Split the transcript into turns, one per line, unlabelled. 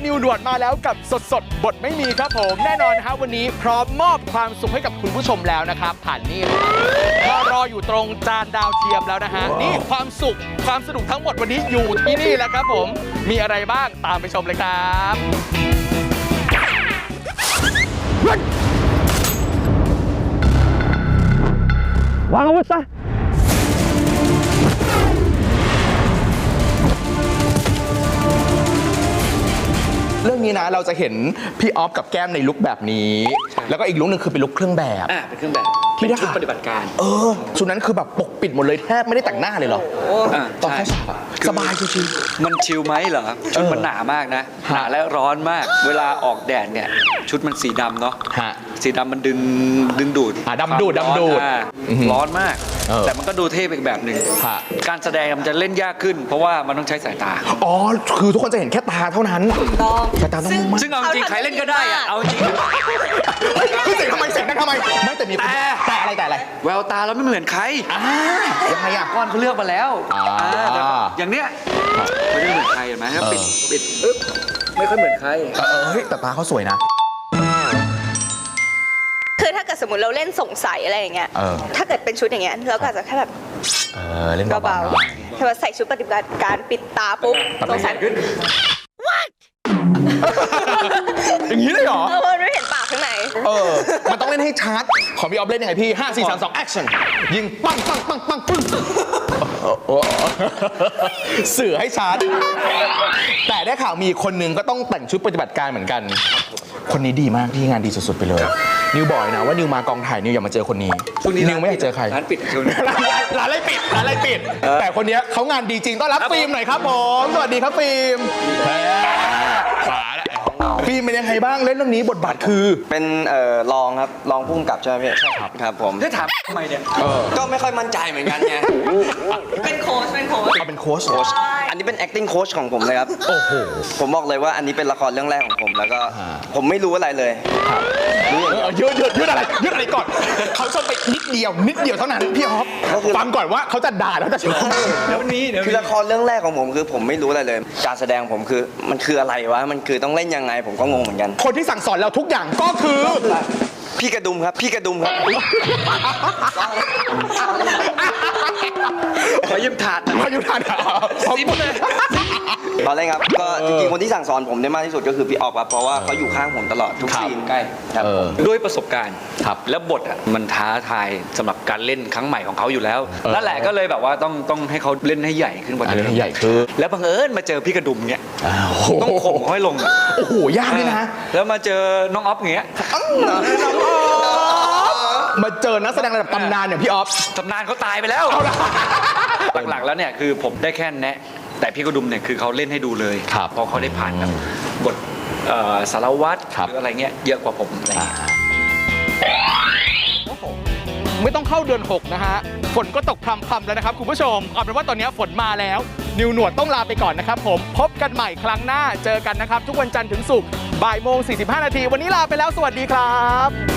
นิวหนวดมาแล้วกับสดบทไม่มีครับผมแน่นอนนะครับวันนี้พร้อมมอบความสุขให้กับคุณผู้ชมแล้วนะครับผ่านนี่มารออยู่ตรงจานดาวเทียมแล้วนะฮะนี่ความสุขความสนุกทั้งหมดวันนี้อยู่ที่นี่แล้วครับผมมีอะไรบ้างตามไปชมเลยครับวางอาวุธซะเรื่องนี้นะเราจะเห็นพี่ออฟกับแก้มในลุคแบบนี้แล้วก็อีกลุคนึงคือเป็นลุคเครื่องแบบ
เป็นเครื่องแบบเป็นชุดปฏิบัติการ
ชุดนั้นคือแบบปกปิดหมดเลยแทบไม่ได้แต่งหน้าเลยเหรอตอนเข้าฉากสบายชิว
ๆมันชิลไหมเหรอชุดมันหนามากนะหนาและร้อนมากเวลาออกแดดเนี่ยชุดมันสีดำเนาะสีดำมันดึงดูด
ดำดูด
ร้อนมากแต่มันก็ดูเท่อีกแบบหนึ่งการแสดงมันจะเล่นยากขึ้นเพราะว่ามันต้องใช้สายตา
คือทุกคนจะเห็นแค่ตาเท่านั้นสายตาต้องมุ่งมั่น
ซึ่งเอาจริงใครเล่นก็ได้เอาจริง
เสียงทำไมไม่แต่มีแต่อะไร
แววตาแล้วไม่เหมือนใคร
ยังไง
ก้อนเขาเลือกมาแล้วอย่างเนี้ยไม่ได้เหมือนใครเห็นไหมปิดไม่ค่อยเหมือนใคร
แต่ตาเขาสวยนะ
คือถ้าเกิดสมมติเราเล่นสงสัยอะไรอย่างเงี้ยถ้าเกิดเป็นชุดอย่างเงี้ยเราก็อาจจะแค่แบบ
เล่นเบา
ๆถ้าว่าใส่ชุดปฏิบัติการปิดตาปุ๊บสงสัย
อย่างนี้เลยเหรอ
มันไม่เห็นปากข้างใน
มันต้องเล่นให้ชัดของพี่ออฟเล่นยังไงพี่5 4 3 2 action ยิงปังปึ้งสื่อให้ชัดแต่ได้ข่าวมีคนหนึ่งก็ต้องแต่งชุดปฏิบัติการเหมือนกันคนนี้ดีมากที่งานดีสุดๆไปเลยนิวบอกนะว่านิวมากองถ่ายนิวอย่ามาเจอคนนี้นิวไม่อยากเจอใคร
ร้านปิด
ร้านอะไรปิดแต่คนนี้เขางานดีจริงต้อนรับฟิล์มหน่อยครับผมสวัสดีครับฟิล์มฟิล์มเป็นยังไงบ้างเล่นเรื่องนี้บทบาทคือ
เป็นรองครับรองผู้กำกับใช่ไหมพี่ใช่ครับผม
จะถามทำไมเนี่ย
ก็ไม่ค่อยมั่นใจเหมือนกันไง
เป็นโค้ช
เป็นโค้ช
อันนี้เป็น acting coach ของผมเลยครับ
โอ้โห
ผมบอกเลยว่าอันนี้เป็นละครเรื่องแรกของผมแล้วก็ผมไม่รู้อะไรเลย
ยืดอะไรก่อนเขาชนไปนิดเดียวเท่านั้นพี่ฮอปฟังก่อนว่าเขาจะด่าแล้วจะชม
แล้ววันนี้
คือละครเรื่องแรกของผมคือผมไม่รู้อะไรเลยการแสดงผมคือมันคืออะไรวะมันคือต้องเล่นยังไงผมก็งงเหมือนกัน
คนที่สั่งสอนเราทุกอย่างก็คือ
พี่กระดุมครับ
ขอยืมถาด
ซิปเลย
ตอนแรกครับก็จริงๆคนที่สั่งสอนผมได้มากที่สุดก็คือพี่ออกครับเพราะว่าเขาอยู่ข้างผมตลอดทุกซีน
ใกล้ด้วยประสบการณ์แล้วบทมันท้าทายสำหรับการเล่นครั้งใหม่ของเขาอยู่แล้วนั่นแหละก็เลยแบบว่าต้องให้เขาเล่นให้ใหญ่ขึ้นกว่าเดิม
ใหญ่คือ
แล้วบังเอิญมาเจอพี่กระดุมเงี้ยต้องข่มเขาให้ลง
โอ้โหยากเลยนะ
แล้วมาเจอน้องออฟเงี้ย
มาเจอนักแสดงระดับตำนานอย่างพี่ออฟ
ตำนานเขาตายไปแล้วหลักๆแล้วเนี่ยคือผมได้แค่แนะแต่พี่กระดุมเนี่ยคือเขาเล่นให้ดูเลยเพราะเขาได้ผ่านกับบทสารวัตรหรืออะไรเงี้ยเยอะกว่าผม
ไม่ต้องเข้าเดือน6นะฮะฝนก็ตกพรำๆแล้วนะครับคุณผู้ชมเอาเป็นว่าตอนนี้ฝนมาแล้วนิวหนวดต้องลาไปก่อนนะครับผมพบกันใหม่ครั้งหน้าเจอกันนะครับทุกวันจันทร์ถึงศุกร์บ่ายโมง 45 นาทีวันนี้ลาไปแล้วสวัสดีครับ